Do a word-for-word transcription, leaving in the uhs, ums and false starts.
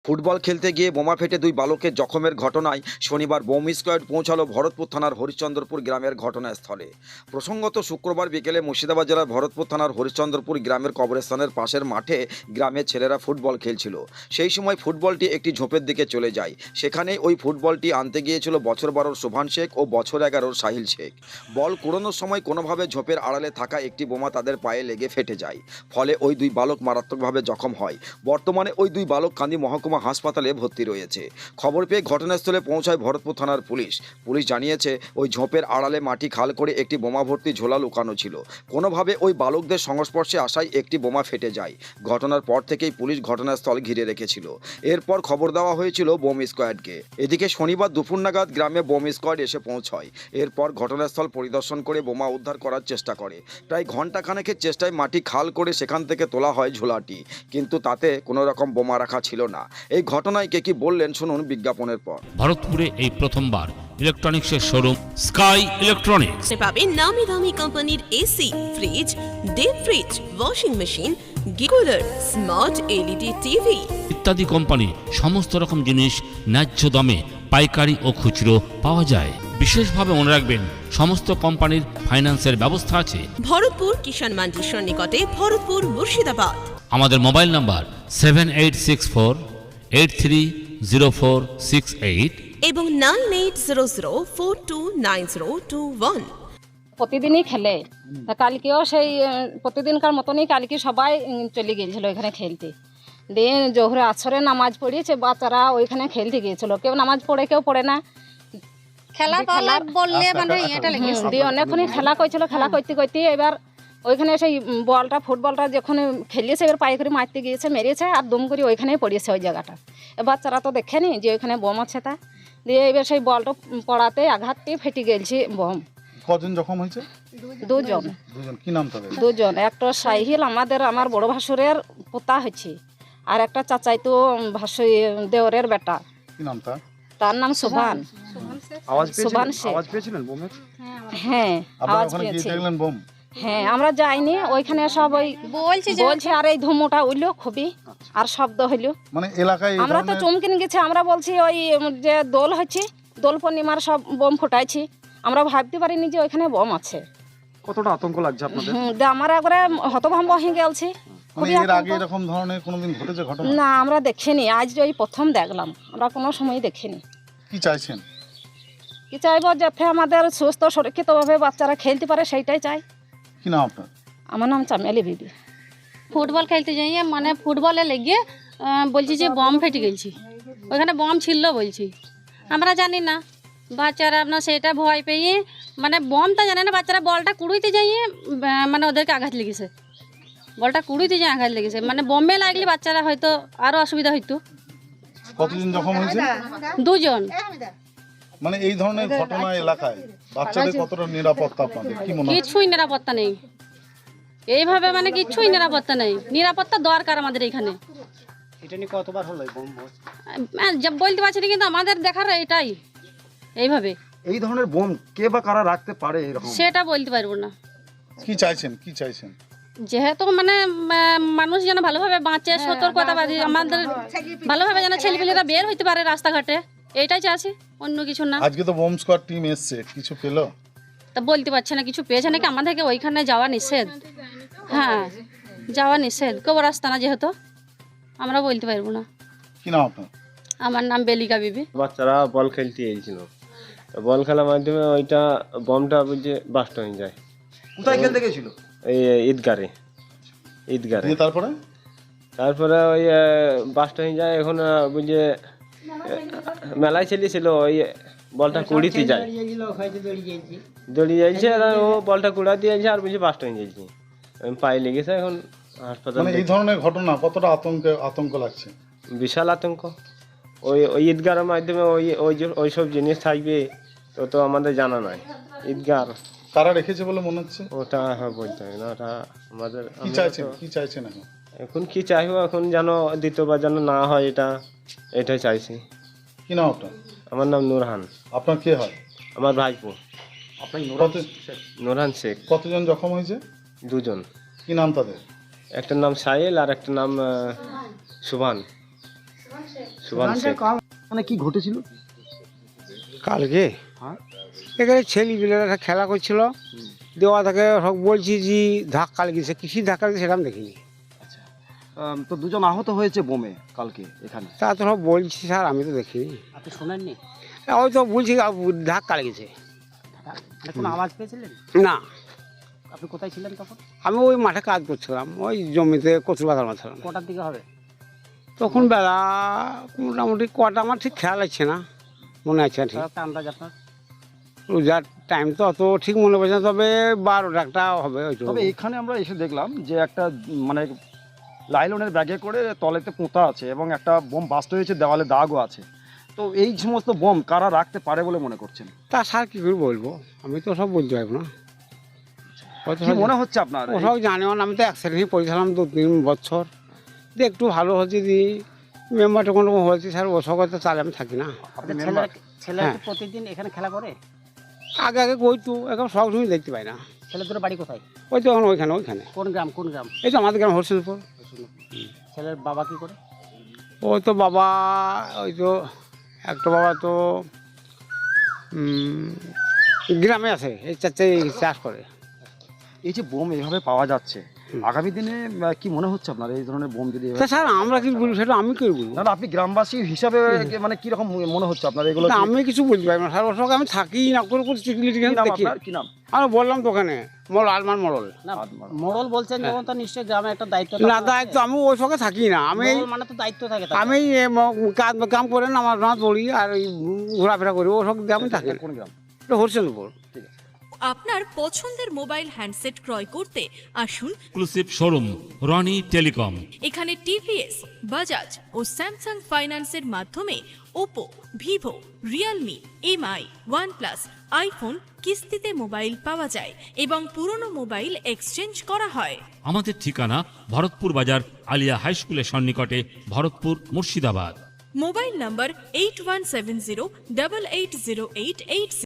Football খেলতে গিয়ে বোমা ফেটে দুই বালকের জখমের ঘটনায় শনিবার বোম স্কোয়াড পৌঁছালো ভরতপুর থানার হরিশ্চন্দ্রপুর গ্রামের ঘটনাস্থলে। প্রসঙ্গত শুক্রবার বিকেলে মুর্শিদাবাদ জেলার ভরতপুর থানার হরিশ্চন্দ্রপুর গ্রামের কবরস্থানের পাশের মাঠে গ্রামের ছেলেরা ফুটবল খেলছিল। সেই সময় ফুটবলটি একটি ঝোপের দিকে চলে যায়। সেখানে ওই ফুটবলটি আনতে গিয়েছিল বছর বারোর শোভান শেখ ও বছর এগারোর সাহিল শেখ। বল কুড়োনোর সময় কোনোভাবে ঝোপের আড়ালে থাকা একটি বোমা তাদের পায়ে লেগে ফেটে যায়। ফলে ওই দুই বালক মারাত্মকভাবে জখম হয়। বর্তমানে ওই দুই বালক কান্দি মহকুমা হাসপাতালে ভর্তি রয়েছে। খবর পেয়ে ঘটনাস্থলে পৌঁছায় ভরতপুর থানার পুলিশ। পুলিশ জানিয়েছে ওই ঝোপের আড়ালে মাটি খাল করে একটি বোমা ভর্তি ঝোলা লুকানো ছিল। কোনোভাবে ওই বালকদের সংস্পর্শে আসায় একটি বোমা ফেটে যায়। ঘটনার পর থেকেই পুলিশ ঘটনাস্থল ঘিরে রেখেছিল। এরপর খবর দেওয়া হয়েছিল বোম স্কোয়াডকে। এদিকে শনিবার দুপুর নাগাদ গ্রামে বোম স্কোয়াড এসে পৌঁছয়। এরপর ঘটনাস্থল পরিদর্শন করে বোমা উদ্ধার করার চেষ্টা করে। প্রায় ঘণ্টাখানেকের চেষ্টায় মাটি খাল করে সেখান থেকে তোলা হয় ঝোলাটি, কিন্তু তাতে কোনো রকম বোমা রাখা ছিল না। এই ঘটনায় কে কি বললেন শুনুন বিজ্ঞাপনের পর। ভারতপুরে এই প্রথমবার ইলেকট্রনিক্সের শোরুম স্কাই ইলেকট্রনিক্স পাবেন নামি দামি কোম্পানির AC, fridge, deep fridge, washing machine, cooler, smart LED TV ইত্যাদি কোম্পানি সমস্ত রকম জিনিস ন্যায্য দামে পাইকারি ও খুচরো পাওয়া যায়। বিশেষভাবে মনে রাখবেন সমস্ত কোম্পানির ফাইন্যান্সের ব্যবস্থা আছে। ভরতপুর কিষাণ মান্ডির সন্নিকটে, ভরতপুর মুর্শিদাবাদ। আমাদের mobile number seven eight six four eight three zero four six eight এবং nine eight zero zero four two nine zero two one. প্রতিদিনই খেলে, তা কালকেও সেই প্রতিদিনকার মতনই কালকে সবাই চলে গিয়েছিল এখানে খেলতে। দিয়ে জোহরে আসরে নামাজ পড়িয়েছে, বাচ্চারা ওইখানে খেলতে গিয়েছিল। কেউ নামাজ পড়ে, কেউ পড়ে না। খেলা বললে মানে এটা লেগে দিয়ে অনেকক্ষণই খেলা করছিল। খেলা করতে করতে এবার ওইখানে সেই বলটা ফুটবলটা যখন খেলিয়েছে, এবার পায়ে করে মারতে গিয়েছে, মেরেছে আর দুম করে ওইখানেই পড়িয়েছে ওই জায়গাটা। বাচ্চারা তো দেখেনি যে ওইখানে বোম আছে। তা দিয়ে এবার সেই বলটা পড়াতে আঘাতটি ফেটে গেছে বোম। কজন জখম হয়েছে? দুজন। দুজন কি নাম তাদের? দুজন, একটা সাহিল আমাদের আমার বড় ভাসুরের পোতা হয়েছে, আর একটা চাচাই তো ভাসু দেওরের বেটা। কি নাম তার? তার নাম শোভান। শোভান শেখ। আওয়াজ পেয়েছিলেন বোমের? হ্যাঁ, আপনারা আওয়াজ ওখানে গিয়ে পেয়েছি। দেখলেন বোম? হ্যাঁ, আমরা যাইনি, ওইখানে সব ওই বলছি যে বলছে আর এই ধুমোটা উঠলো খুবই, আর শব্দ হইলো। মানে এলাকায় এই আমরা তো ধরনের- চমকিন গেছি। আমরা বলছি ওই যে দোল হচ্ছে, দোল পূর্ণিমার সব বোম ফুটাইছি। আমরা ভাবতে পারিনি যে ওইখানে বোম আছে। কতটা আতঙ্ক লাগছে আপনাদের? হুম, দিয়ে আমার একবারে হতভম্ব হয়ে গেছি। মানে খুবই এর আগে আতঙ্ক। এরকম ধরনের কোনোদিন ঘটেছে ঘটনা? না, আমরা দেখিনি, আজ ওই প্রথম দেখলাম। আমরা কোনো সময় দেখিনি। কি চাইছেন? কি চাইবো, যাতে আমাদের সুস্থ সুরক্ষিতভাবে বাচ্চারা খেলতে পারে, সেইটাই চাই। কি নাম আপনার? আমার নাম চামেলি বিবি। ফুটবল খেলতে যাই, মানে ফুটবলে লেগে আহ, বলছি যে বম ফেটে গেছি, ওইখানে বম ছিল বলছি। আমরা জানি না, বাচ্চারা আপনার সেটা ভয় পেয়ে মানে বমটা জানে না, বাচ্চারা বলটা কুড়ুইতে যাইয়ে আহ, মানে ওদেরকে আঘাত লেগেছে। বলটা কুড়ুইতে যাই আঘাত লেগেছে, মানে বমে লাগলে বাচ্চারা হয়তো আরও অসুবিধা হইতো। কতজন জখম হয়েছে? দুজন। মানে এই ধরনের ঘটনা এলাকায় বাচ্চাদের কতটা নিরাপত্তা আপনাদের কি মনে হয়? কিছুই নিরাপত্তা নেই এইভাবে, মানে কিছুই নিরাপত্তা নেই। নিরাপত্তা দরকার আমাদের এখানে। এটা নিয়ে কতবার হলো বোম? আহ, যা বলতে পারছি না, কিন্তু আমাদের দেখার এটাই এইভাবে। এই ধরনের বোম কে বা কারা রাখতে পারে এরকম? সেটা বলতে পারবো না। কি চাইছেন? কি চাইছেন? যেহেতু মানে আহ, মানুষ যেন ভালোভাবে বাঁচে, সতর্কতা বাদী আমাদের ভালোভাবে যেন ছেলেপিলেরা বের হইতে পারে রাস্তাঘাটে, এইটাই চাইছি, অন্য কিছু না। আজকে তো বোম স্কোয়াড টিম এসছে, কিছু পেলো? তা বলতে পারছে না কিছু পেয়েছে নাকি। আমাদেরকে ওইখানে যাওয়া নিষেধ। হ্যাঁ, যাওয়া নিষেধ, কবর রাস্তা না যেহেতু, আমরা বলতে পারবো না। কি নাম আপনার? আমার নাম বেলিকা বিবি। বাচ্চারা বল খেলতে এসেছিল, বল খেলার মাধ্যমে ওইটা বমটা বুঝে বাস্ট হয়ে যায়। কোথায় খেলতে গেছিল? এই ঈদগারে ঈদগারে দিয়ে তারপরে তারপরে ওই বাস্ট হয়ে যায়। এখন বুঝে মেলায় ছেলেছিল, ওই বলটা কুড়িতে যায়, দড়ি যাইছে, আর ও বলটা কুড়া দিয়েছে আর বুঝে বাস্ট হয়ে যাইছে, পায়ে লেগেছে। এখন হাসপাতাল। মানে এই ধরনের ঘটনা কতটা আতঙ্ক আতঙ্ক লাগছে? বিশাল আতঙ্ক। ওই ওই ঈদগারের মাধ্যমে ওই ওই যে ওইসব জিনিস থাকবে তো তো আমাদের জানা নাই। ঈদগার কারা রেখেছে বলে মনে হচ্ছে? ওটা হ্যাঁ বলতে হবে না, ওটা আমাদের। কি চাইছেন? কি চাইছেন এখন? এখন কি চাইবো, এখন যেন দ্বিতীয়বার যেন না হয়, এটা এটাই চাইছি। কি নাম আপনার? আমার নাম নুরহান। আপনার কে হয়? আমার ভাইপো আপনার কত- নুরহান শেখ। কতজন জখম হয়েছে? দুজন। কি নাম তাদের? একটা নাম সাহিল আর একটা নাম আহ, সুভান। সুভান শেখ। মানে কি ঘটেছিল? কালকে হ্যাঁ। এখানে ছেলেপিলেরা খেলা করছিল, দেওয়া থেকে সব বলছি যে ধাক্কা লেগেছে, কৃষি ধাক্কা লেগেছে সেটা আমি দেখিনি। আম, তো দুজন আহত হয়েছে বোমে কালকে এখানে। তা তো সব বলছি স্যার, আমি তো দেখিনি। আপনি শোনেননি? ওই তো বলছি আ, ধাক্কা লেগেছে। কোনো আওয়াজ পেয়েছিলেন? না, আপনি কোথায় ছিলেন তখন? আমি ওই মাঠে কাজ করছিলাম, ওই জমিতে কচু বাগান মারছিলাম। কটার দিকে হবে? তখন বেলা মোটামুটি কটা আমার ঠিক খেয়াল আছে না, মনে আছে না ঠিক। একটা আন্দাজ আপনার? রোজার টাইম তো অত ঠিক মনে পড়ছে না, তবে বারোটা একটা হবে হয়তো। তবে এখানে আমরা এসে দেখলাম যে একটা উম, মানে লাইলনের ব্যাগে করে তলেতে পোঁতা আছে এবং একটা বোম বাস্ট হয়েছে, দেওয়ালে দাগও আছে। তো এই সমস্ত বোম কারা রাখতে পারে বলে মনে করছেন? তা স্যার কী করে বলবো, আমি তো সব বলতে পারবো না। হয়তো কি সব- মনে হচ্ছে আপনার? ও সব জানেও না, আমি তো অ্যাক্সিডেন্টই পড়েছিলাম দু তিন বছর, যে একটু ভালো হচ্ছে দি মেম্বারটা কোনো রকম হয়েছে স্যার, ও সব তো তাহলে আমি থাকি না। আপনি মেম্বার? ছেলে কি প্রতিদিন এখানে খেলা করে? আগে আগে কইতো, এখন সব সময় দেখতে পাই না। ছেলেদের বাড়ি কোথায়? ওই তো এখন ওইখানে ওইখানে কোন গ্রাম? কোন গ্রাম? এই তো আমাদের গ্রাম হরসিংপুর। ছেলের বাবা কি করে? ওই তো বাবা, ওই তো একটা বাবা তো উম, গ্রামে আছে, এই চারটে চাষ করে। এই যে বোম এইভাবে পাওয়া যাচ্ছে, আগামী দিনে আহ, কি মনে হচ্ছে আপনার এই ধরনের বোম যদি তা এভাবে- স্যার আমরা কি বলবো সেটা আমি কি বলবো? না না, আপনি গ্রামবাসী হিসাবে মানে কি রকম মনে হচ্ছে আপনার এগুলো? না, কি- আমি কিছু বলতে পারি না স্যার, ওর সঙ্গে আমি থাকি না, করে করে চিকলি কি নাম দেখি। আপনার? কি নাম? আমি বললাম তো ওখানে মল আলমান মরল। মোড়ল বলছেন যখন, তো নিশ্চয়ই গ্রামে একটা দায়িত্ব না দায়িত্ব, আমি ওই সঙ্গে থাকি না, আমি এই- মানে তো দায়িত্ব থাকে। আমি এ ম- কাজ কাম করে না, আমার রাত পড়ি আর ওই ঘোরাফেরা করি, ও সঙ্গে আমি থাকি না। কোন গ্রাম? হরচন্দ্রপুর। আপনার পছন্দের মোবাইল হ্যান্ডসেট ক্রয় করতে আসুন এক্সক্লুসিভ শোরুম রনি টেলিকম। এখানে টিভিএস, বাজাজ ও স্যামসাং ফাইন্যান্সের মাধ্যমে Oppo, Vivo, Realme, Mi, OnePlus, iPhone কিস্তিতে মোবাইল পাওয়া যায় এবং পুরনো মোবাইল এক্সচেঞ্জ করা হয়। আমাদের ঠিকানা ভরতপুর বাজার আলিয়া হাই স্কুলের সন্নিকটে, Bharatpur, Murshidabad. Mobile number eight one seven zero double eight zero eight eight